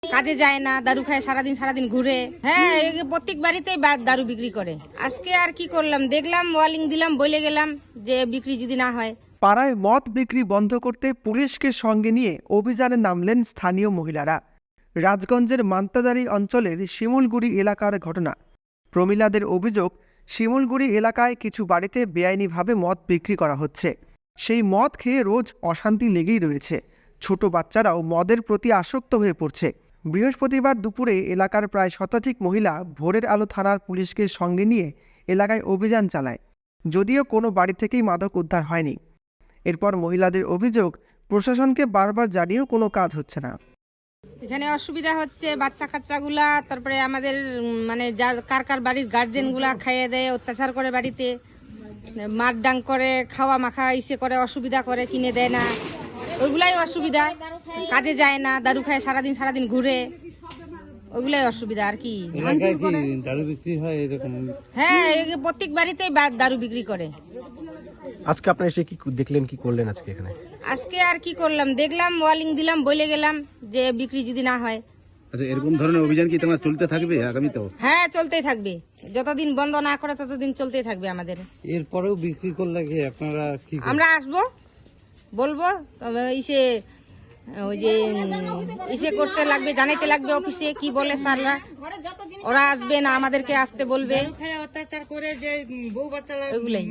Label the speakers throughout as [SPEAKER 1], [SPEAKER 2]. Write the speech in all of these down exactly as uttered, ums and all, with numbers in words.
[SPEAKER 1] কাজে যায় না, দারু খায় সারাদিন সারাদিন ঘুরে। হ্যাঁ, প্রত্যেক বাড়িতেই দারু বিক্রি করে। আজকে আর কি করলাম, দেখলাম, ওয়ার্নিং দিলাম, বলে গেলাম যে বিক্রি যদি না হয়।
[SPEAKER 2] পাড়ায় মদ বিক্রি বন্ধ করতে পুলিশকে সঙ্গে নিয়ে অভিযানে নামলেন স্থানীয় মহিলারা। রাজগঞ্জের মান্তাদারি অঞ্চলের শিমুলগুড়ি এলাকার ঘটনা। প্রমিলাদের অভিযোগ, শিমুলগুড়ি এলাকায় কিছু বাড়িতে বেআইনিভাবে মদ বিক্রি করা হচ্ছে। সেই মদ খেয়ে রোজ অশান্তি লেগেই রয়েছে। ছোট বাচ্চারাও মদের প্রতি আসক্ত হয়ে পড়ছে। বৃহস্পতিবার দুপুরে এলাকার প্রায় শতাধিক মহিলা ভোরের আলো থানার পুলিশকে সঙ্গে নিয়ে এলাকায় অভিযান চালায়। যদিও কোনো বাড়ি থেকেই মাদক উদ্ধার হয়নি। এরপর মহিলাদের অভিযোগ, প্রশাসনকে বারবার জানিয়েও কোনো কাজ হচ্ছে না।
[SPEAKER 1] এখানে অসুবিধা হচ্ছে, বাচ্চা কাচ্চাগুলা, তারপরে আমাদের মানে যার কার কার বাড়ির গার্জেনগুলা খাইয়ে দেয়, অত্যাচার করে, বাড়িতে মারডাং করে, খাওয়া মাখা ইসে করে, অসুবিধা করে, কিনে দেয় না, ওইগুলাই অসুবিধা। কাজে যায় না, দারু খায় সারাদিন সারাদিন ঘুরে, ওইগুলাই অসুবিধা আর কি।
[SPEAKER 3] দারু বিক্রি হয় এরকম?
[SPEAKER 1] হ্যাঁ, প্রত্যেক বাড়িতেই দারু বিক্রি করে।
[SPEAKER 4] আজকে আপনি এসে কি দেখলেন, কি করলেন আজকে এখানে?
[SPEAKER 1] আজকে আর কি করলাম, দেখলাম, ওয়ার্নিং দিলাম, বলে গেলাম যে বিক্রি যদি না হয়।
[SPEAKER 3] আচ্ছা, এরকম ধরনের অভিযান কি তোমার চলতে থাকবে আগামীতেও?
[SPEAKER 1] হ্যাঁ, চলতেই থাকবে, যতদিন বন্ধ না করে ততদিন চলতেই থাকবে আমাদের।
[SPEAKER 3] এরপরেও বিক্রি করলে কি আপনারা কি?
[SPEAKER 1] আমরা আসবো, বলবো, তবে ইসে ওই যে ইসে করতে লাগবে, জানাইতে লাগবে অফিসে, কি বলে স্যাররা, ওরা আসবে না, আমাদেরকে আসতে বলবে।
[SPEAKER 5] অত্যাচার করে যে বউ বাচ্চা,
[SPEAKER 1] ওইগুলাই।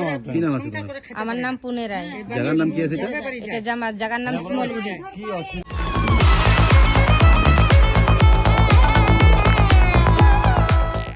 [SPEAKER 3] আমার
[SPEAKER 1] আমার নাম পুনে রায়।
[SPEAKER 3] জায়গার নাম কি আছে?
[SPEAKER 1] এটা জামার জায়গার নাম শিমলগুড়ি।